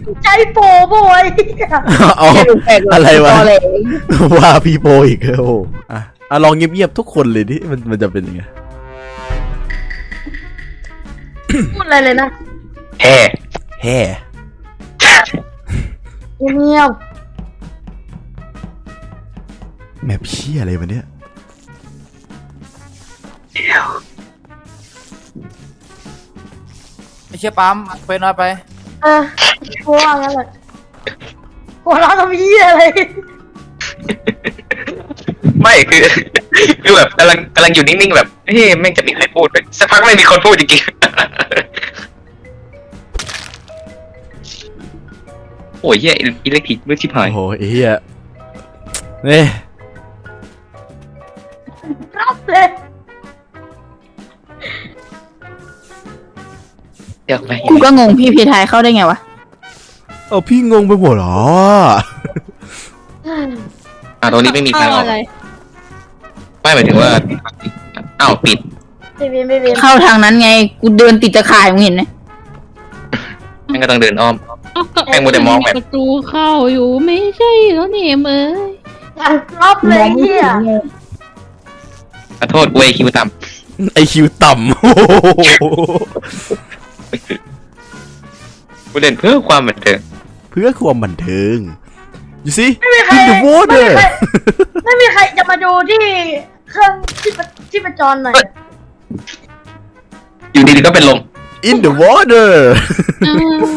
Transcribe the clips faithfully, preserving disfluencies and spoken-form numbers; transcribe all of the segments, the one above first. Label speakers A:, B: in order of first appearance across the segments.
A: ใจโปโบย
B: เอาอะไรวะว่าพี่โปอีกโอ้อ่ะอ่ะลองเงียบๆทุกคนเลยดิมันมันจะเป็นยังไง
A: พูดอะไรเลยนะ
C: แฮ่
B: แฮ่
A: เงียบ
B: แม่พี่อะไรวะเนี่ย
D: ไอ้เชี่ยปั๊มไปน้อยไป
A: เออพูดว่างั้นแหละหัวเราะทำเหี้ยอะไร
C: ไม่คือคือแบบกำลังกำลังอยู่นิ่งๆแบบเฮ้ยแม่งจะมีใครพูดสักพักไม่มีคนพูดจริงๆโอ้ยเหี้ยอิเล็กทริกมือชิบหาย
B: โอ้โหไอ้เหี้ยนี่
A: รับเลย
C: เดี๋ยวไป
E: กูก็งงพี่พีไทยเข้าได้ไงวะ
B: เอาพี่งงไปหมดเหรอ
C: อ่าตรงนี้ไม่มีทางออก
A: อะไร
C: ไม่หมายถึงว่าอ้าวปิด
A: ไม่เวียนไม่เวียน
E: เข้าทางนั้นไงกูเดินติดตะข่ายมึงเห็นไหม
C: แม่งก็ต้องเดินอ้อม แม่งมัวแต่มองแบบ
F: ประตูเข้าอยู่ไม่ใช่แล้วเนี่ยเอ้ย
A: รับเลยเหี้ย
C: ขอโทษกูไอคิวต่
B: ไอคิวต่ำโอ้โห
C: ำกูเล่นเพื่อความบันเทิง
B: เพื่อความบันเทิงอยู่สิ
A: ไม่มีใคร
B: In the
A: ไม่มี
B: water
A: ใครไม่มีใครจะมาดูที่เครื่องที่ประที่ประจรหน่อย
C: อยู่ดีๆก็เป็นลม
B: In the water
F: อ้าย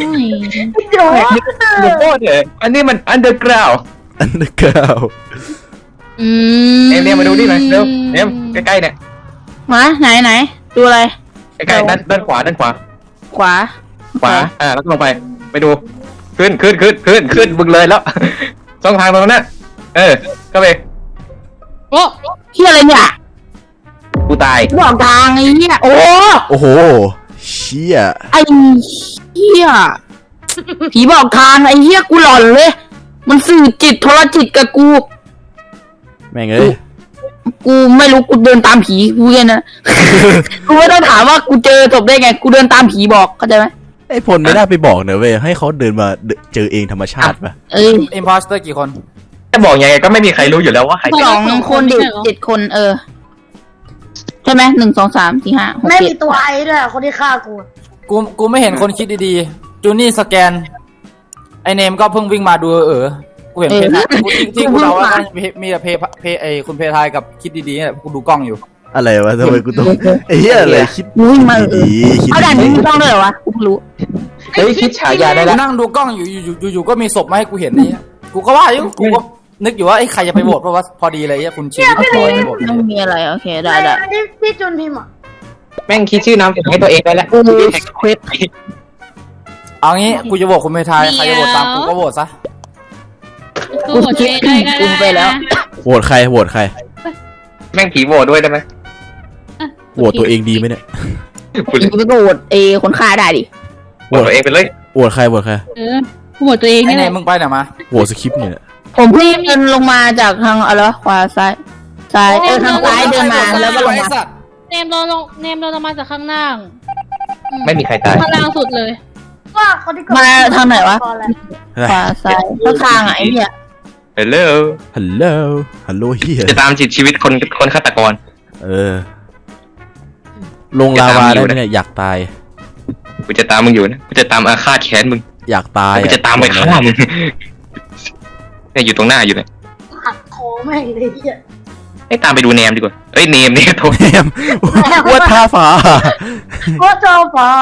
A: เดี๋ยว
C: เดี๋ยวโทษเลยอันนี้มัน underground
B: underground
E: อืม
C: เอ็มเนี่ยมาดูดิหน่อยเร็วเอ็มใกล้ๆเนี่ย
E: มาไหนไหนดูอะไร
C: ใกล้ๆด้านด้านขวาด้านขวา
E: ขวา
C: ขวาอ่าแล้วก็ลงไปไปดูขึ้นขึ้นขึ้นขึ้นขึ้นบึงเลยแล้ว ช่องทางตรงนั้นน่ะเออก็ไป
F: โอ้
E: เฮียอะไรเนี่ย
C: กูตาย
E: บอกทางไอ้เหี้ยโอ้
B: โอ้โหเชี่ย
E: ไอ้เหี้ยผีบอกทางไอ้เหี้ยกูหลอนเลย มันสื่อจิตโทรจิตกับกู
B: แม่งเอ้ย
E: กูไม่รู้กูเดินตามผีกูแค่นั้น กูไม่ต้องถามว่ากูเจอจบได้ไงกูเดินตามผีบอกเข้าใจไหม
B: ไอพลไม่ได้ไปบอกเนอะเว้ยให้เขาเดินมาเจอเองธรรมชาติป่ะ
E: เอ้ย
D: อิมพอสเตอร์กี่คน
C: จะบอกยังไงก็ไม่มีใครรู้อยู่แล้วว่าใคร
E: สองคนเด็กเจ็ดคนเออใช่ไหมหนึ่งสองสามสี่ห้าหก
A: ไม่
E: เจ็
A: มี
E: ด
A: ตัวไอ้ด้วยคนที่ฆ่ากู
D: กูกูไม่เห็นคนคิดดีๆจูนี่สแกนไอเนมก็เพิ่งวิ่งมาดูเออกูเห็นเพทายกูที่ที่กูเดาว่ามีมีแต่เพเพไอคุณเพทายกับคิดดีๆเนี่ยกูดูกล้องอยู่
B: อะไรวะทำไมกูต้องไอ้เหี้ยอะไรคิด
E: มึงวิ่งมาเอ
B: ดี
E: อ
B: คิด
E: เอาด่านนี้
B: ดี
E: ไม่ต้องเลยเหรอวะกูไม่รู้
C: เฮ้ยคิดฉายาได้
D: กู
C: แล้ว
D: นั่งดูกล้องอยู่อยู่อยู่อยู่ก็มีศพมาให้กูเห็นนี่กูก็ว่าอยู่กูก็นึกอยู่ว่าไอ้ใครจะไปโหวตเพราะว่าพอดีเลยคุณชีวิตพอจะโหวต
E: ไม่มีอะไรโอเคได้ได้
A: ที่ที่จุนพิมพ์อ่ะ
C: แม่งคิดชื่อนามสกุลให้ตัวเองได้แล้ว
E: กูเควส
D: เอางี้กูจะโหวตคุณเพทายใครจะโหวตตามกูก็โหวตซะ
F: กูหัวใจได้ก็
E: กูไปแล้ว
B: โหวตใครโหวตใคร
C: แม่งผีโหวตด้วยได้ไหม
B: โหวตตัวเองดีไหมเนี่ย
C: กู
E: อีกก็โหวตเอคนฆ่าได้ดิ
C: โหวตตัวเองไปเลย
B: โหวตใครโหวตใคร
F: เออกูหัวตัวเอง
D: ไอ้
F: นี่
D: เน
F: แหละ
D: มมึงไปไหนมา
B: โหวตสคริปต์เนี่ย
E: ผมเพิ่งเดินลงมาจากทางอะไรวะขวาซ้ายซ้ายเออทางซ้ายเดินมาแล้วก็ลงมา
F: เนมเราลงเนมเราลงมาจากข้างล่าง
C: ไม่มีใครตาย
F: ข้างล่างสุดเลย
A: ว่าคนที่กด
E: มาทางไหนวะ
A: ก่อนแหละ
E: ขวาซ้ายเข้าทางอ่ะไอ้เนี่ย
C: ฮัลโหล
B: ฮัลโหลฮัลโหลเฮีย
C: จะตามจิตชีวิตคนคนฆาตกร
B: เออลงลาวาได้ไหมเนี่ยอยากตาย
C: กูจะตามมึงอยู่นะกูจะตามอาฆาตแค้นมึง
B: อยากตาย
C: กูจะตามไปฆ่ามึงเนี่ยอยู่ตรงหน้าอยู่เนี่ย
A: หักคอแม่งเลยเหี้ย
C: ให้ตามไปดูแนมดีกว่าเอ้ยเนมเนี่ยโทษ
B: แฮมว่าท่าฟ้า
A: ว่าทอฟอ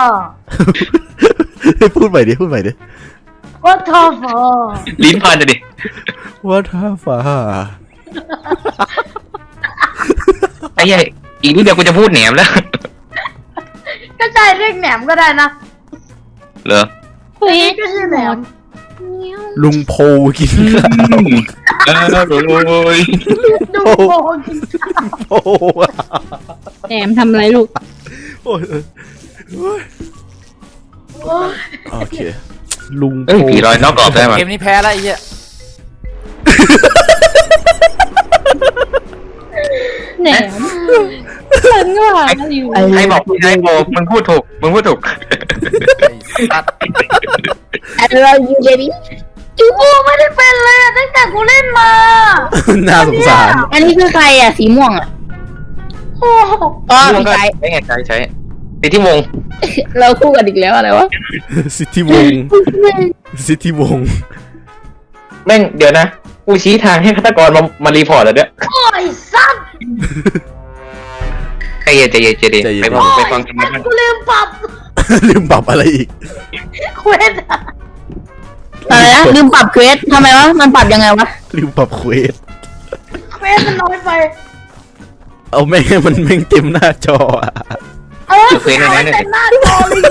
B: พูดใหม่ดิพูดใหม่ดิ
A: ว่าทอฟอ
C: ลิ้นพันจะดิ
B: ว่าท่าฟ้า
C: ไอ้เหี้ยอีกนิดเดียวกูจะพูดแหนมแล้ว
A: ก็ใจเรียกแหนมก็ได้นะ
C: เหรอ
F: เฮ้ย
A: ก็ชื่อแหนม
B: ลุงโพกินข้าว
C: เออโอ้ย
A: ดูโมกิน
B: โอ้อะ
F: แหนมทำอะไรลูก
B: โอ้ยเออโอ้ย
A: โอ้ย
B: โอเคลุง
C: เอ้ยผีลอยนอกกรอบได้ไหม
D: เกมนี้แพ้แล้วไอ้เหี้ย
F: แหนมฉันก็หาอยู่
C: ใครบอกใครบอกมึงพูดถูกมึงพูดถูก
D: ไอ้สัตว์
E: แอดเราอยู่เดี๋ยวนี้
A: จูไม่ได้เป็นเลยอะตั้งแต่กูเล่นมา
B: น่าสงสาร
E: อันนี้คือใครอ่ะสีม่วงอ่ะ
A: โอ้โห
E: อ๋อ
C: ม่วง
E: พี่
C: ก็
E: ไก่
C: ใช้ไงใช้ใช้ติดที่วง
E: เราคู่กันอีกแล้วอะไรวะ
B: สิทธิวงศ์สิทธิวงศ์
C: แม่งเดี๋ยวนะกูชี้ทางให้ฆาตกรมามารีพอร์ตแล้วเนี่ย
A: โอ้ยสัตว์
C: ใจเย็นใจเย็นใจเย็นไปฟังไปฟังกัน
A: โอ้ย
C: บ้าง
A: กูลืมปรับ
B: ลืมปรับอะไรอีก
A: เควสอะ
E: อะไรนะลืมปรับเควสทำไมวะมันปรับยังไงวะ
B: ลืมปรับเควส
A: เควสมันน้อยไป
B: เอาแม่งให้มันแม่งเต็มหน้าจออะ
A: เออเควสมันเต็มหน้าจอเลย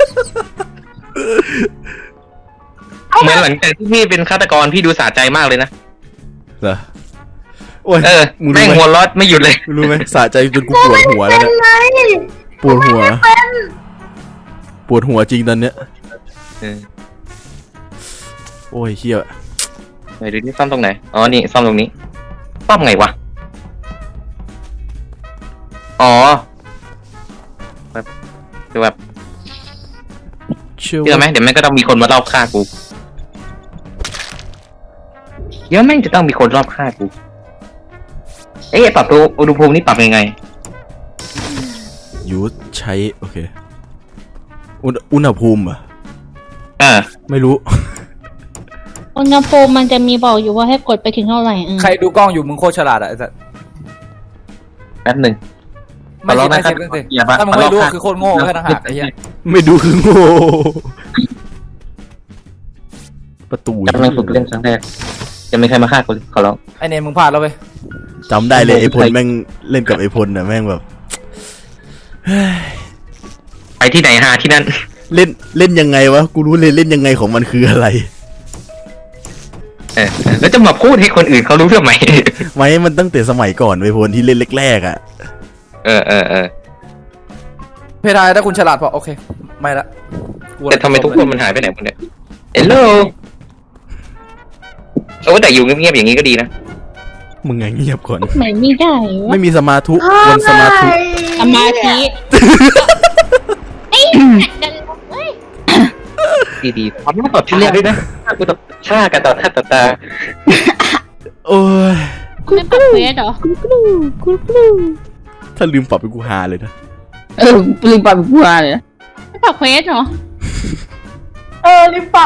C: เหมือนหลังจากที่พี่เป็นฆาตกรพี่ดูสะใจมากเลยนะ
B: เหรอโอ้ย
C: เออ
B: มึง
C: แม่
B: รู้
C: ง
B: ไหม
C: หัวร้อนไม่หยุดเลย
B: รู้ไหมสะใจจนกูปวดหัวแล้ว
A: เป็น
B: เนี่ย
A: ไง
B: ปวดหัว
A: เป็น
B: ปวดหัวจริงตอนเนี้ย
C: เออ
B: โอ้ยเฮีย
C: ไหนดูนี่ซ่อมตรงไหนอ๋อนี่ซ่อมตรงนี้ซ่อมไงวะอ๋อแบบคือแบบ
B: เชื่อ
C: เชื่อไหมเดี๋ยวแม่งก็ต้องมีคนมารอบฆ่ากูเดี๋ยวแม่งจะต้องมีคนรอบฆ่ากูเอ๊ะปรับตัวอุณหภูมินี่ปรับยังไง
B: ยูใช้โอเคอุณอุณหภูมิเหรอะ
C: อ่า
B: ไม่รู้
F: อุณหภูมิมันจะมีบอกอยู่ว่าให้กดไปถึงเท่าไหร่อืม
D: ใครดูกล้องอยู่มึงโคตรฉลาดอะไอ้สัส
C: แป๊บหนึ่ง
D: ไม่
C: ขอร้
D: ใช่
C: อง
D: ไม่
C: นะครับ
D: ใช่ไม่ใช่
C: อย่ามา
D: ถ้ามึงไม่รู้
C: ขอร้อง
D: คือโคตรโง่แค่ต่างหากไอ้เหี้ย
B: ไม่ดูคือโง่ประตู
C: กำลังฝึกเล่นครั้งแรกจะไม่ใครมาฆ่ากูเลยขอร้อง
D: ไอ้เนมมึงพลาดแล้วเว้ย
B: จำได้เลยไอพลแม่งเล่นกับไอพลน่ะแม่งแบบ
C: ไปที่ไหนหาที่นั่น
B: เล่นเล่นยังไงวะกูรู้เลยเล่นยังไงของมันคืออะไร
C: เออแล้วจะมาพูดให้คนอื่นเขารู้ทำไม
B: ไม่มันตั้งแต่สมัยก่อนไอพลที่เล่นแรกๆอ่ะ
C: เออเออเออ
D: เพทายถ้าคุณฉลาดพอโอเคไม่ละ
C: แต่ทำไมทุกคนมันหายไปไหนหมดเนี่ยเฮลโลโอ้แต่อยู่เงียบๆอย่างนี้ก็ดีนะ
B: มึงไงเงียบก่อน
F: ไหนไม่ได้วะ
B: ไม่มีสมาธุวันสมาธุ
F: สมาธิเอ้ยดันเอ้ย
C: ดีดีๆทำหน้าต่อตาด้วยนะฆ่ากูต่อฆ่ากันต่อหน้าต่อตา
B: โอ้ย
F: ไม่ปรับเควสเหรอ
B: ถ้าลืมปรับเป็นกูหาเลยนะ
E: เออลืมปรับกูมาเลยนะ
F: ไม่ปรับเควสเหรอ
A: เออลืมปรับ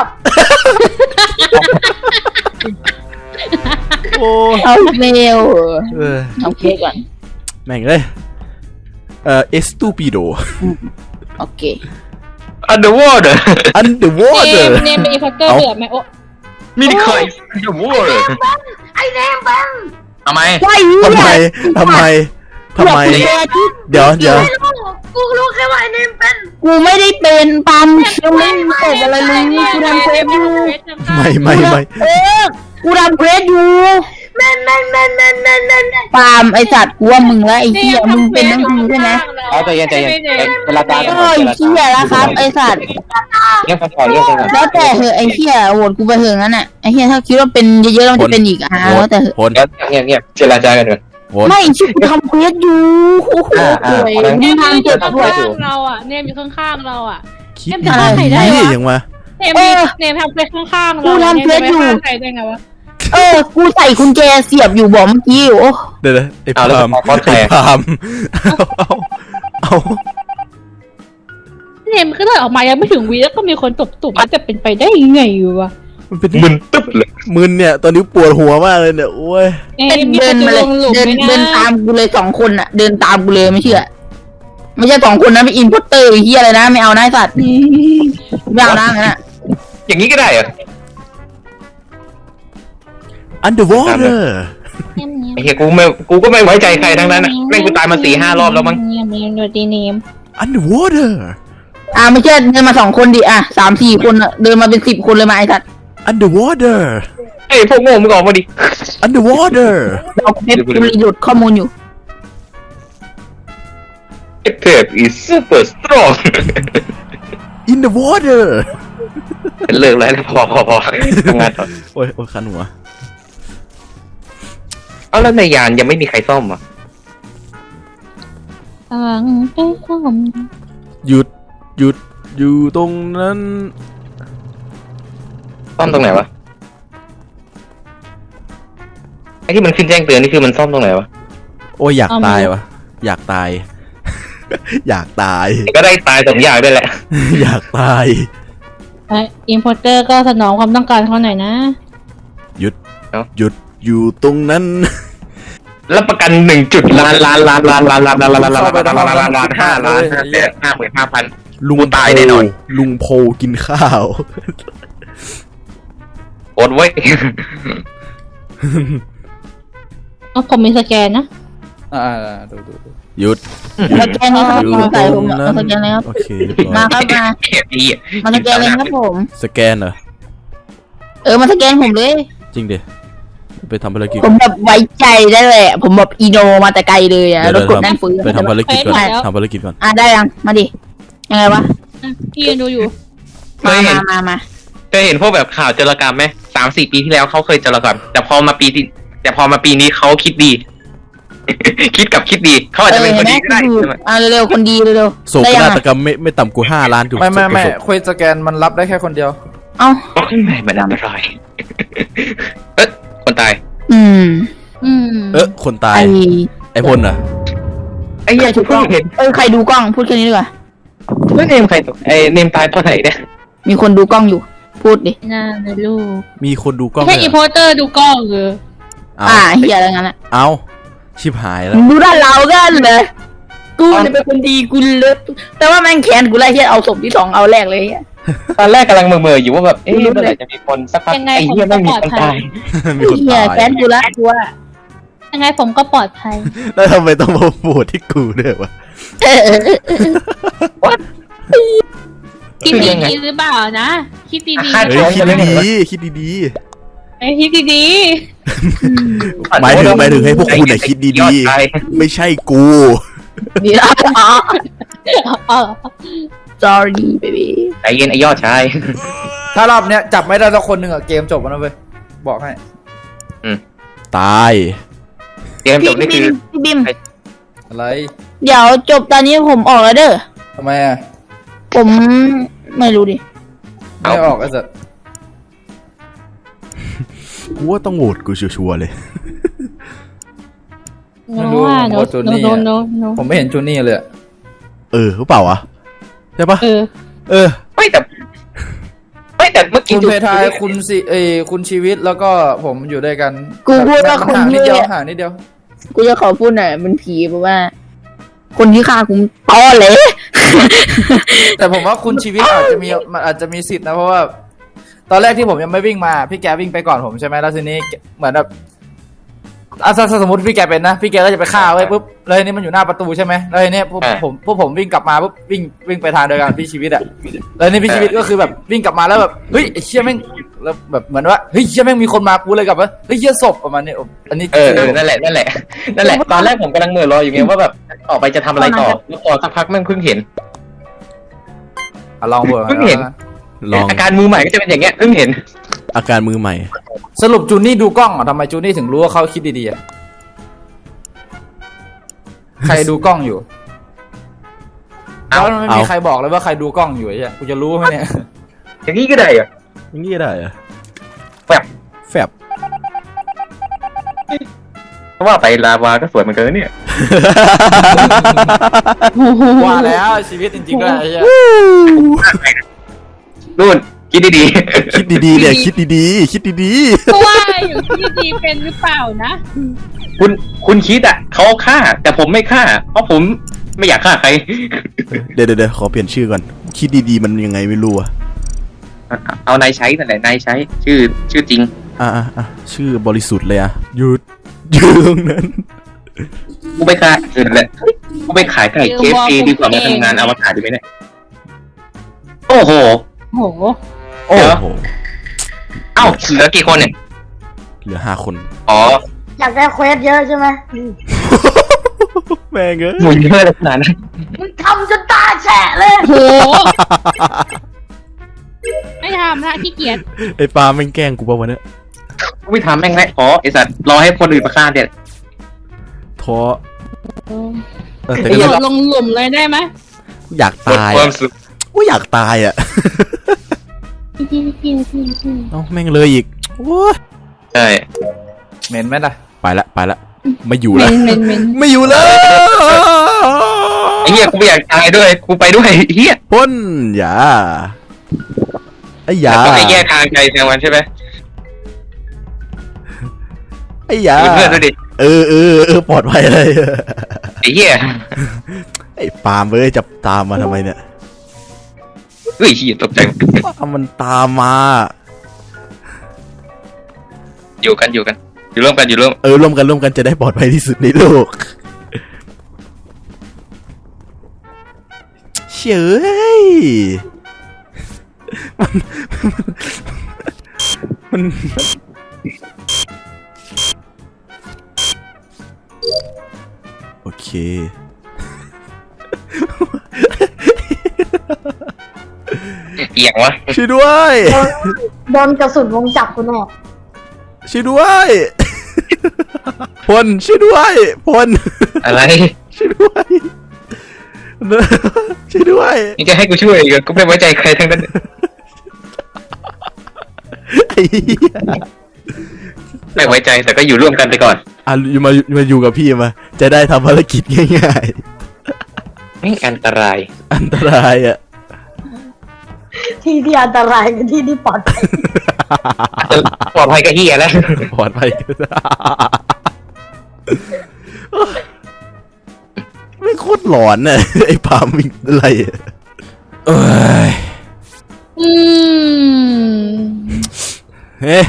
B: โอ้
E: เอาเมล
B: เออ
E: เอาเควสก่อน
B: แม่งเลยเอ่อเอสตูปิโด
E: โอเค
C: อันเดอร์วอเตอร์
B: อันเดอร์วอ
F: เน
B: เตอ
F: ม
B: ร์
F: เนมเป็นอีพอตเตอร์
B: เอ้า
F: เดือดไหมโอ้
C: มินิคอยอันเดอร์วอเตอร์
A: ไอ้เนมเป็น
C: ทำไม
E: ไอ้
B: ทำไมทำไมทำไม เดี๋ยวเดี๋ยว
A: ไม่รู้กูรู้แค่ว่าไอ้เนมเป็น
E: กูไม่ได้เป็นปั๊มยังไม่มีตกอะไรเลยกูทำเควสอยู่
B: ไม่ไม่ไม่
E: เออกูทำเควสอยู่
A: แม่นแม่นแม่นแม่นแม่นแม่นแม่น
E: ปาล์มไอสัตว์กูว่ามึงแล้วไอ้เหี้ยมึงเป็นทั้งทีใช่ไหม
C: เอาใจเย็นใจเย็นเวลาตา
E: เออไอ้เหี้ยแล้วครับไอสัตว์
C: เงียบกันก่อนเงียบกันก่อน
E: แล้วแต่เหอะไอ้เหี้ยโหวตกูไปเหอะงั้นอ่ะไอ้เหี้ยถ้าคิดว่าเป็นเยอะๆแล้วมันจะเป็นอีกอ่ะแล้วแต่เหอะ
B: พล
C: เงียบเงียบเจรจากันก่อน
B: พล
E: ไม่ชิกูทำเควสอยู่โอ้โห
C: อ่าอ่า
E: สวย
C: เอาละ
E: มึงทำเจ็บ
F: ข้
E: ด้วย
F: างๆเราอ่ะเนมอยู่ข้างๆเราอ่ะ
B: คิด
F: เนมจะฆ่าใครได้วะ
B: นี่ยังวะ
F: เนมมีเนมทำเควสข้างๆเรา
E: กูทำเควสอยู่
F: นมจะไปฆ่าใครได้ไงวะ
E: เออกูใส่กุญแจเสียบอยู่บอกเมื่อกี้โอ้
B: เดี๋ยวนะไอ้
C: เอาแล้ว
B: พาม
C: พอดแค
B: ไอ้
C: ร์
B: พามเอาเอา
F: เนมก็เลยออกมายังไม่ถึงวีแล้วก็มีคนตบตุบมันจะเป็นไปได้ยังไงวะ
B: มันเป็น
C: มึนตึ๊บเลย
B: มึนเนี่ยตอนนี้ปวดหัวมากเลยเนี่ยโอ้ย
F: เน
E: เป็น
F: มมี
E: เดิ
F: คน น
E: มา
F: จะ
E: เล
F: ล
E: ย
F: งหลุม
E: เดิน
F: ไหม
E: เดิน
F: นะ
E: ตามกูเลยสองคนอ่ะ เดินตามกูเลยไม่เชื่อ ไม่ใช่สองคนนะเป็นอินพุตเตอร์ไอ้เหี้ยอะไรนะไม่เอานะไอ้สัตว์ไม่เอานะงั้นอ่ะ
C: อย่างนี้ก็ได้เหรอ
B: underwater
F: เนมเนม
C: ไอ้เหี้ยกูไม่กูก็ไม่ไว้ใจใครทั้งนั้นอ่ะแม่งกูตายมาสี่ห้ารอบแล้วมั้ง
F: เนมเนมดูดีเนม
B: underwater
E: อ่าไม่ใช่เดินมาสองคนดิอ่ะสามสี่คนอะเดินมาเป็นสิบคนเลยมาไอ้สัตว์
B: underwater
C: ไอ้พวกโง่มึงออกมาดิ
B: underwater
E: เราเพ็บกูรีโหลดข้อมูลอยู่
C: เทพ is super strong
B: in the water
C: เลิกแล้วพอพอพอทำงานต่อ
B: โอ้ยโอ้ยคันหัว
C: เอาแล้วในยานยังไม่มีใครซ่อมอ่ะ
F: ตังไปซ่อม
B: หยุดหยุดอยู่ตรงนั้น
C: ซ่อมตรงไหนวะไอ้ที่มันขึ้นแจ้งเตือนนี่คือมันซ่อมตรงไหนวะ
B: โอ้ยอยากตายวะอยากตาย อยากตาย
C: ก็ได้ตายสองอย่างด้วยแหละ
B: อยากตาย
F: อินพอร์เตอร์ก็สนองความต้องการเขาหน่อยนะ
B: หยุดหยุดอยู่ตรงนั้น
C: แล้วประกันหนึ่งจุดล้านล้านล้านล้านล้านล้านล้านล้านล้านล้านล้านล้านล้านห้าล้านห้าแสนห้าหมื่นห้าพัน
B: ลุง
C: ตายแน่นอน
B: ลุงโพกินข้าว
C: โอดไว้
F: เอาผมมีสแกนนะ
D: อ่าดูดูดู
B: หยุด
E: สแกนเลยครับ
B: อยู่
E: มา
B: ต
E: ใส่
B: ร
E: ผม
B: ง
E: อะ
B: นั้
E: มาน สแกนเลยครับ
B: โอเคเรียบร้อ
E: มาย ครับมา
C: ไอ้เหี้ย
E: มาสแกนเลยครับผม
B: สแกนเหรอ
E: เออมาสแกนผมเลย
B: จริงดิไปทำภารกิจ
E: ผมแบบไว้ใจได้เลยอะผมแบบอีโนมาแต่ไกลเลยอ่ะ
B: เดี๋ยว
E: แล้วกดนั่นฟื้น
B: ไปทำภารกิจก่อน
F: ไปแล้ว
B: ทำภารกิจก่อน
E: อ่ะได้ยังมาดิยังไงวะ
F: พี่ยังดูอยู่
C: เค
E: มาย
C: เห็
E: มาน มามา
C: เคยเห็นพวกแบบข่าวโจรกรรมไหมสามสี่ปีที่แล้วเขาเคยโจรกรรมแต่พอมาปีที่แต่พอมาปีนี้เขาคิดดี คิดกับคิดดีเขาอาจจะเป็นคนดีก็ได้
E: เออเห็นไหมอ่ะเร็วๆคนดีเร็ว
B: โศ
E: ๆ
B: ก
E: ได้ยัง
B: นา
E: อะ
B: ฏกรรมไม่ไม่ต่ำกว่าห้าล้านถูก
D: ไม่ไม่ไม่
B: โศก
D: คุยสแกนมันรับได้แค่คนเดียว
E: เอ้า
C: เพราะข้างในมันอันตรายเอ๊ะคนตาย
E: อืม
F: อืม
B: เออคนตาย
E: ไอ
B: ไอพลน่ะ
C: ไอ้เหี้ย
E: ใครถูกกล้อง
C: เห็น
E: เออใครดูกล้องพูดแค่นี้ดีกว่า
C: เฮ้ยเนมใครตกไอ้เนมตายเพราะไหนเนี่ย
E: มีคนดูกล้องอยู่ พูดดิ
F: น่าเลยลูก
B: มีคนดูกล้อง
F: ไม่ใช่
B: ด้วย
F: อิน
B: เห
F: พ
B: รอ
F: อร์เตอร์ดูกล้องเหรอ
B: เอา
E: อ่าเฮียอะไรงั้นอ่ะ
B: เอาชิบหายแล้ว
E: มึงดูด้านเรากันเลยกูเนี่ยเป็นคนดีกูเลิศแต่ว่าแม่งแค้นกูไล่เฮียเอาศพที่สองเอาแรกเลยเฮีย
C: ตอนแรกกำลังเมื่อๆอยู่ว่าแบบเอ๊ะเมื่อไหร่จะมีคนสักพัก
F: ยังไง
C: ไอ้เหี้ย
F: ผม
C: ไม่มี
F: ก็
C: คน
F: ปลอดภั
C: ตาย ย
B: มีคน
E: เฮีย
B: ตาย
E: แค้นกูละกูว่า
F: ยังไงผมก็ปลอดภัย
B: แล้วทำไมต้องมาโหวตที่กูด้วยวะ
E: เออเออเออ
F: คิดดีๆหรือเปล่านะ คิดดีๆ
C: คาด
B: เฮ้ยคิดดีๆคิดดี
F: ไอ้คิดดี
B: ๆหมายถึงหมายถึงให้พวกคุณน่ะคิดดีๆ ไม่ใช่กู
E: ดีละอ๋อ
F: ๆอ๋อ
E: sorry baby
C: ใจเย็นไอ้ยอดชาย
D: ถ้ารอบเนี้ยจับไม่ได้สักคนหนึ่งอะเกมจบแล้วนะเว้ยบอกให้
B: ตาย
C: เกมจบนี่
E: พี่
C: คือ
E: บิมพี่บิม
D: อะไร
E: เดี๋ยวจบตอนนี้ผมออกแล้วเด้อ
D: ทำไมอะ
E: ผมไม่รู้ดิ
D: ไม่ออกไอ้สัส
B: กูว่าต้องโหวตกูชัวร์ๆเลย
F: โน้ว่าโน้โน้โน้โน้โน้
D: ผมไม่เห็นจูนี่เลยอะ
B: เออหรือเปล่าวะใช่ปะ
F: เออ
B: เออ
C: ไม่แต่ไม่แต่เมื่อกี้
D: คุณ
C: ดู
D: เพทายคุณสิเอยคุณชีวิตแล้วก็ผมอยู่ด้วยกัน
E: กูพูดว่า
D: มัน
E: คน
D: ห่างนิ
E: ที่
D: ดเดียวห่างนิดเดียว
E: กูจะขอพูดหน่อยมันผีเพราะว่า คนที่ฆ่ากูตอเลย
D: แต่ผมว่าคุณชีวิตอาจจะมีมันอาจจะมีสิทธิ์นะเพราะว่า ตอนแรกที่ผมยังไม่วิ่งมาพี่แกวิ่งไปก่อนผมใช่ไหมแล้วทีนี้เหมือนแบบอ่ะถ้าถ้าสมมติพี่แกเป็นนะพี่แกก็จะไปฆ่าไว้ปุ๊บแล้วทีนี้มันอยู่หน้าประตูใช่ไหมแล้วทีนี้พวกผมพวกผมวิ่งกลับมาปุ๊บวิ่งวิ่งไปทางเดียวกันพี่ชีวิตอะแล้วทีนี้พี่ชีวิตก็คือแบบวิ่งกลับมาแล้วแบบเฮ้ยไอ้เชี่ยแม่งแล้วแบบเหมือนว่าเฮ้ยเชี่ยแม่งมีคนมากูเลยกลับว่าเฮ้ยเชี่ยศพประมาณนี้อันนี้
C: เออเออนั่นแหละนั่นแหละนั่นแหละตอนแรกผมกำลังเหมื่อรออยู่ไงว่าแบบต่อไปจะทำอะไรต่อแล้วพอสักพักแม่งเพิ่งเห็น
D: อ่ะลองเบอร์
C: เพิ่งเห็น
B: ลอง
C: อาการมือใหม่ก็จะเป็นอย่างเงี้ยเพิ่งเห็น
B: อาการมือใหม่
D: สรุปจูนี่ดูกล้องอ่ะทำไมจูนี่ถึงรู้ว่าเขาคิดดีๆอ่ะใครดูกล้องอยู่
C: เอา
D: แล้วไม่มีใครบอกเลยว่าใครดูกล้องอยู่ไอ้เหี้ยกูจะรู้ไหมเนี่ย
C: อย่างนี้ก็ได้เหรอ
B: อย่างนี้ได้เหรอะ
C: แฟบ
B: แฟบ
C: เพราะว่าไปลาวาก็สวยเหมือนกันนะเนี่ย
D: ว่าแล้วชีวิตจริงๆก็ไอ้เหี้ย
C: นู่นคิดดี
B: คิดดีๆเนี่ยคิดดีๆคิดดี
F: เพราะว่าอยู่ที่ดีเป็นหรือเปล่านะ
C: ๆคุณคุณคิดอ่ะเขาฆ่า แต่ผมไม่ฆ่า เพราะผมไม่อยากฆ่าใคร
B: ๆเดี๋ยวเดี๋ยวขอเปลี่ยนชื่อก่อนคิดดีๆมันยังไงไม่รู้อะ
C: เอานายใช้นั่นแหละนายใช้ ชื่อชื่อจริง
B: อ่ะอ่ะอ่ะชื่อบริสุทธิ์เลยอะหยุดหยุดตรงนั้น
C: กูไปขายเออนั่นแหละกูไปขายไก่เคฟซีดีกว่ามาทำงานอวกาศดีไหมเนี่ยโอ้โห
F: โห
B: โอ้โห
C: เอ้าเหลือกี่คนเนี่ย
B: เหลือห้าคน
C: อ๋อ
A: อยากได้เควสเยอะใช่ไหม
B: แม่งเอ้ย
C: หมุนเยอะเลยขนาดนั้น
A: มึงทำจนตาแฉะเลย
F: โห ไม่ทำละขี้เกียจ
B: ไอ้ปาแม่งแกล้งกูป่ะวะเนี่ย
C: กูไม่ทำแม่งแม่ขอไอสัตว์รอให้คนอื่นมาฆ่าเนี่ย
B: ท้อเออแต่
F: โด
B: ก็
F: ดลงหลุมเลยได้ไหม
B: อยากตาย
C: ความ
B: อะ
C: สุข
B: กูอยากตายอะ
F: พี่พี่พี่พี่
B: เอ้าแม่งเลยอีกโอ้ย
C: ใช่
D: เหม็นไหมล่ะ
B: ไปละไปละไม่อยู่
E: เม
B: แล้ว
E: นเมนเมน
B: ไม่อยู่แล้ว
C: ไอ้เหี้ยกูไม่อยากตายด้วยกูไปด้วยเหี้ย
B: พ่นอย่าไอ้ยา
C: แต่ต้องไปแยกทางไกลทางมันใช่ไหม
B: ไอ้ยา
C: ดูเพื่อนด้วยดิ
B: เออเออเออปลอดภัยเลย
C: ไอ้เหี้ย
B: ไอ้ปาล์มเอ้ยจะตามมาทำไมเนี่ย
C: เฮ้ยเหี้ยตกใจ
B: ปาล์มมันตามมา
C: อยู่กันอยู่กัน อยู่ร่วมกันอยู่ร่วม
B: เออร่วมกันร่วมกันจะได้ปลอดภัยที่สุดในโลกเฉยมันมันโอเค
C: เอียงวะ
B: ช่วยด้วย
A: โดนกระสุนวงจับคุณแน่
B: ช่วยด้วยพลช่วยด้วยพล
C: อะไร
B: ช่วยด้วยช่วยด้วย
C: นี่จะให้กูช่วยอีกเหรอกูไม่ไว้ใจใครทั้งนั้น
B: ไอ้เหี้ย
C: ไม่ไว้ใจแต่ก็อยู่ร่วมกันไปก่อน
B: อ่ะมามาอยู่กับพี่มา จะได้ทำภารกิจง่าย
C: ไม่อันตราย
B: ๆ อันตรายอ่ะ
A: ที่ที่อันตรายกับที่ที่ปลอดภัย
C: ปลอดภัยก็เหี้ยแล้ว
B: ปลอดภัยไม่โคตรหลอนน่ะไอ้ปาล์มมีอะไรอะเอ้ย
F: อืม
B: เฮ้ย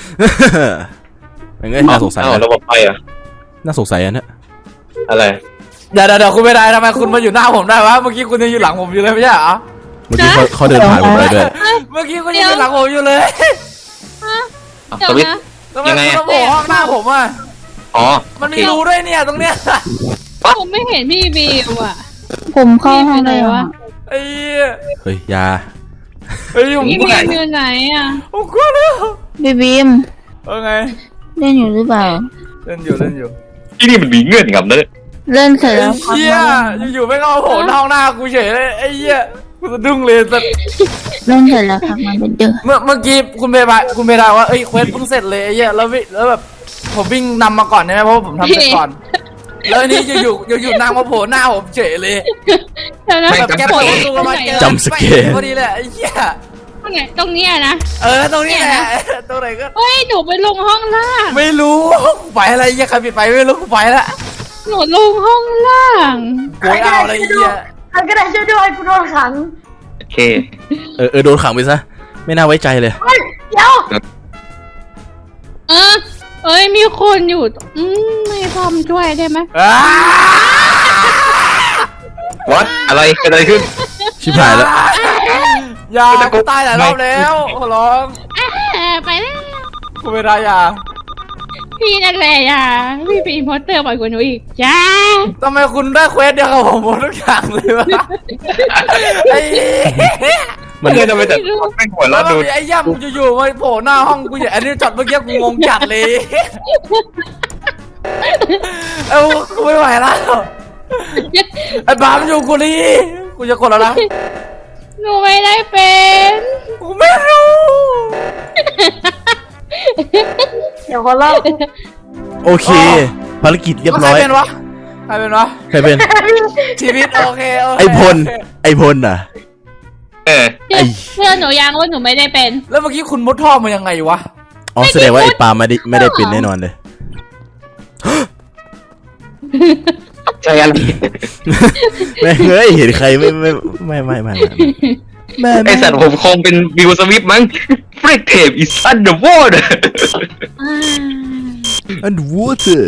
B: ยังไงน่าสงสัย
C: เอ้า
B: นะ
C: ระบบไฟเหรอ่ะ
B: น่าสงสัยอันเนี้ย
C: อะไร
D: เดี๋ยวเดี๋ยวเดี๋ยวคุณไม่ได้ทำไมคุณมาอยู่หน้าผมได้วะเมื่อกี้คุณยังอยู่หลังผมอยู่เลยไม่ใช่เหรอ
B: เมื่อกี้เขาเขาเดินผ่านผมไปด้วย
D: เมื่อกี้คุณยังอยู่หลังผมอยู่เลย
F: เดี๋ย
C: ส
F: ว
C: วิตช์
F: นะ
D: ทำไมคุณมาโผล่ห้องหน้าผมอ่ะ
C: อ๋อ
D: มันมีรูด้วยเนี่ยตรงเนี้ย
F: ผมไม่เห็นพี่บีมอ่ะ
E: ผมเข้า
F: พี่
E: ห้
F: ไป
E: อง
F: ไหน
E: ได้
F: วะ
D: ไอ้เหี้ย
B: เฮ้ยอยา
D: เฮ้ยผม
F: พี่
D: กลั
F: บี
D: ว
F: มอยู่ไหนอ่ะ
D: ผมกลัวแล้ว
E: บีบีม
D: เออไง
E: เล่นอยู่หรือเปล่า
D: เล่นอยู่เล่นอยู่
C: ที่นี่มันมีเงื่อนงำนะ
E: เล่นเสร็จ
D: ไอ้
E: แล้วพัก
D: เหี้ย
E: มา
D: อยู่ๆไม่ก็มาโผล่หน้าห้องหน้ากูเฉยเลยไอ้เหี้ยกูสะดุ้งเลยแต่
E: เล่นเสร็จแล้วพักมาเป็นเด้อ
D: เมื่อเมื่อกี้คุณเบย์บายคุณเบย์ดาว่าเอ้ยเควสเพิ่งเสร็จเลยไอ้เหี้ยแล้ววิแล้วแบบผมวิ่งนำมาก่อนใช่ไหมเพราะว่าผมทำเสร็จก่อน แล้วอันนี้อยู่ๆอยู่ๆนางมาโผล่หน้าผมเฉยเลย
F: เดี๋ยวนะ
D: แบบแกเปิดประตูมาเจอ
B: จำสเกล
D: พอดีเลยไอ้เหี้ย
F: ตรงไหนตรงเนี้ยนะ
D: เออตรงนี้แหละตรงไหนก็
F: เฮ้ยหนูไปลงห้องล่าง
D: ไม่รู้กูไปอะไรเหี้ยใครปิดไปไม่รู้กูไปละ
F: หนูลงห้องล่าง
D: กูไม่เอาอะไรเหี้ย
A: ใครก็ได้ช่วยด้วยกูโดนขัง
C: โอเค
B: เออเออโดนขังไปซะไม่น่าไว้ใจเลย
A: เฮ้ยเดี๋ยว
F: เออเอ้ยมีคนอยู่อืมไม่พร้อมช่วยได้ไหม
D: อ้า
C: วัดอะไรเกิดอะไรขึ้น
B: ชิบหายแล้ว
D: อย่ากูตายหลายรอบแล้วขอร้อง
F: เออไปแล้ว
D: กูไม่ได้อย่า
F: พี่นั่นแหละอ่ะพี่เป็นอินพอร์เตอร์บ่อยกว่าหนูอีกจ้า
D: ทำไมคุณได้เควสเดียวกับผมหมดทุกอย่างเลยวะไอ้เหี้ย
B: มัน
C: เงื่อนทำไมแต่ไม่หัว
D: แล้
C: เราะ
D: ว
C: ดู
D: ไอ้ย่ำอยู่ๆมาโผล่หน้าห้องกูอย่างอันนี้จอดเมื่อกี้กูงงจัดเลยเอ้ากูไม่ไหวแล้วไอ้บามอยู่กูนี่กูจะกดแล้วนะ
F: หนูไม่ได้เป็น
D: กูไม่รู้
A: เดี๋ยวคนเล่า
B: โอเค ภารกิจเรียบร้อย
D: ใครเป็นวะใครเป็นวะ
B: ใครเป็น
D: ชีวิตโอเคโอเค
B: ไอพลไอพลน่ะ
C: เออ
F: เชื่อเชื่อหนูยังว่าหนูไม่ได้เป็น
D: แล้วเมื่อกี้คุณมุดท่อมายังไงวะ
B: อ๋อแสดงว่าไอปาล์มไม่ได้ไม่ได้เป็นแน่นอนเลย
C: ใช่อะไร
B: ไม่เฮ้ยเห็นใครไม่ไม่ไม่ไม่ไม่ไม่ไม่
C: ไอสัตว์ผมคงเป็นวิวสวิปมั้ง Freak Tape is underwater
F: อ่า
B: อันวอเตอร์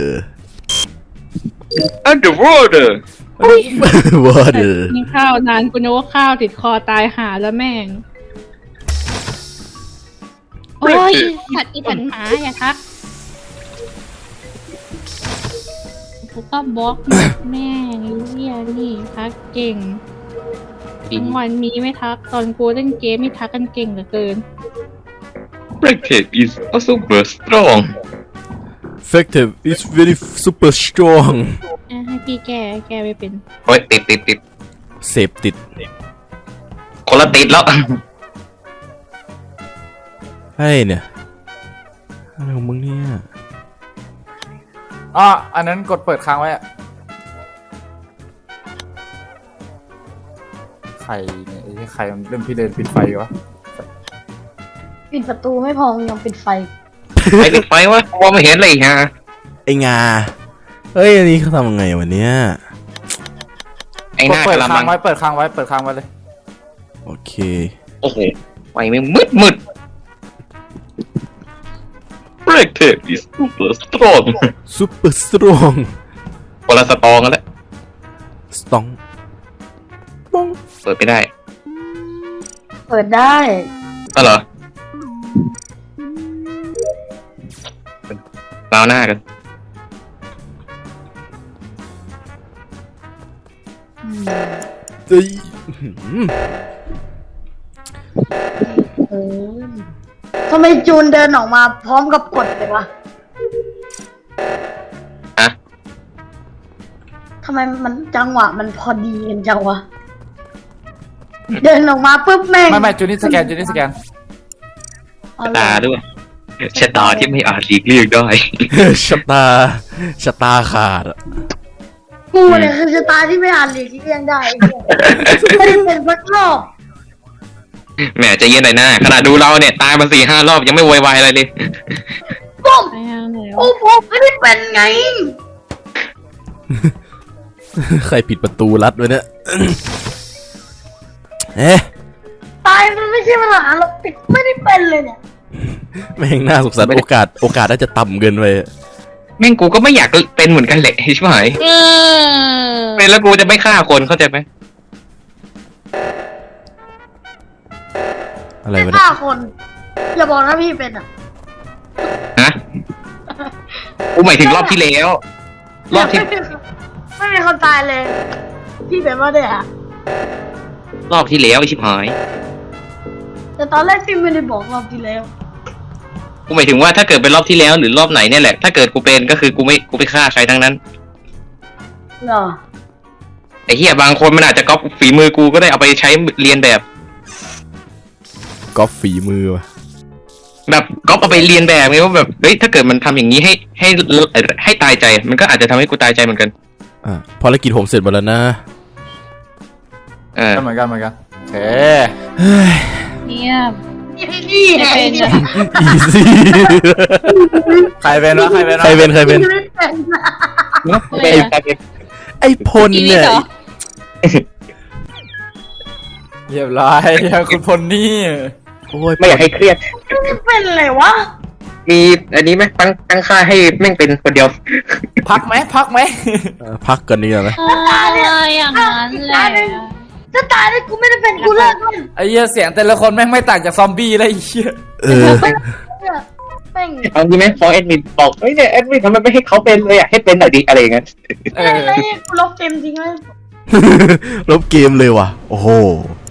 C: underwater
B: วอเตอร์
F: กินข้าวนานกูนึกว่าข้าวติดคอตายหาแล้วแม่ง โอ้ยสัตว์อีสันหมาอย่าทักกูก็บล็อกแม่งไอ้เหี้ยนี่ทักเก่งทั้งวันมีไม่ทักตอนกูเล่นเกมไม่ทักกันเก่งเหลือเกิน
C: Freak Tape is also super strong
B: effective is very super strong
F: อ่ะให้พี่แก้แก้ไม่เป็น
C: โอ้ยติดติดติด
B: เสพติด
C: คนละติดแล้ว
B: เฮ้ยเนี่ยอะไรของมึงเนี่ย
D: อ๋ออันนั้นกดเปิดค้างไว้อะใครเนี่ยไอ้ใครมันเล่นพี่เล่นปิดไฟวะ
A: ปิดประตูไม่พอยังปิดไฟ
C: ไอ้ปิดไฟวะมองไม่เห็นเลยฮะ
B: ไอ้งาเฮ้ยอันนี้เขาทำยังไงวะเนี่ย
C: ไอ้ห
D: กด
C: น้า
D: เปิด
C: กระ
D: ค้าง
C: มัง
D: ไว้เปิดค้างไว้เปิดค้างไว้เลย
B: โอเค
C: โอ้โหไฟไม่มืดมืดเบรกเทปดิสซูเปอร์สตรอง
B: ซูเปอร์สตรอง
C: คนละสตองกันแล้ว
B: สตองปอง
C: เปิดไม่ได้
A: เปิดได้
C: ก็เหรอราวหน้ากัน
B: เฮ้ย
A: เออทำไมจูนเดินออกมาพร้อมกับกดเลยวะ
C: อะ
A: ทำไมมันจังหวะมันพอดีกันจังวะ เดินออกมาปุ๊บแม่ง
D: ไม่ไม่จูนี่สแกนจูนี่สแกน
A: อ๋อ
C: ชะ
A: เหรอ
C: ตาด้วยชะตาที่ไม่อาจหลีกเลี่ยงได้
B: ชะตาชะตาขาดอะ
A: กูเนี่ยคือชะตาที่ไม่อ่านหลีกเลี่ยงได้ไอ้เหี้ยไม่ได้เป็นสักรอบ
C: แหมใจะเย็นหน่อยนะขนาดดูเราเนี่ย ตายมาสี่ห้ารอบยังไม่โวยวายอะไรเลย
A: ปุ๊บ
F: ไปทางไหน
A: โอ้
F: วะ
A: ผมไม่ได้เป็นไง
B: ใครปิดประตูรัดไว้เนี่ย เอ๊ะ
A: ตายมันไม่ใช่ปัญหาหรอกติดไม่ได้เป็นเลยเนี่ย
B: แม่งน่าสงสารโอกาสโอกาสน่าจะต่ำเกินไป
C: แม่งกูก็ไม่อยากเป็นเหมือนกันแหละใช่ไหม
F: เออ
C: เป็นแล้วกูจะไม่ฆ่าคนเข้าใจไหม
B: อะไร
A: ไม่
B: วะเนี่ย
A: ฆ่าคน อย่าบอกนะพี่เป็นอ่ะ
C: ฮะกูหมายถึงรอบที่แล้ว รอบที่
A: ไม่มีไม่มีคนตายเลย พี่เป็นว่าเนี่ยอะ
C: รอบที่แล้วไอชิบหาย
A: แต่ตอนแรกพี่ไม่ได้บอกรอบที่แล้ว
C: กูหมายถึงว่าถ้าเกิดเป็นรอบที่แล้วหรือรอบไหนเนี่ยแหละ ถ้าเกิดกูเป็นก็คือกูไม่กูไปฆ่าใครทั้งนั้น
A: เหรอ
C: ไอ้เหี้ยบางคนมันอาจจะก๊อปฝีมือกูก็ได้เอาไปใช้เรียนแบบ
B: ก๊อปฝีมือวะ
C: แบบก๊อปเอาไปเรียนแบบไงว่าแบบเฮ้ยถ้าเกิดมันทำอย่างนี้ให้ให้ให้ตายใจ มันก็อาจจะทำให้กูตายใจเหมือนกัน
B: อ่ะภารกิจผมเสร็จหมดแล้วนะ
C: เออ
D: ก็เหมือนกันเหมือนกันโอเค
F: เงียบ
A: นี่
F: ไม่
A: ไง
F: เป็นอะ
B: อีซี่
D: ใครเป็นวะใครเป็นวะ
B: ใครเป็นใครเป็น
A: ไม่เป็น
F: อะไรอะ
B: ไอ้พล
F: อีลิ
B: เนี่
F: ท
B: ย
F: เหรอ
D: เรียบร้อยคุณพลนี่
B: โอ้ย
C: ไม่อยากให้เครียด
A: ไม่เป็นเลยวะ
C: มีอันนี้ไหมตั้งตั้งค่าให้แม่งเป็นคนเดียว
D: พักไหมพักไหม
B: เออพักกันดีกว่าไหม
F: อะไรอย่างนั้นแหละ
A: ถ้าตายแล้วกูไม่ได้เป็นกูเลิกมัน
D: ไอ้เหี้ยเสียงแต่ละคนแม่งไม่ต่างจากซอมบี้เลยไอ้เหี้ย
B: เออ
A: เนี่ยแม่ง
C: เอางี้ไหมพอแอดมินบอกเฮ้ยเนี่ยแอดมินทำไมไม่ให้เขาเป็นเลยอ่ะให้เป็นหน่อยดิอะไรอย่างเงี้ย
D: เอ
A: ไม่
D: อ
A: เลยกูลบเกมจริงไหม
B: ลบเกมเลยว่ะ โอ้โห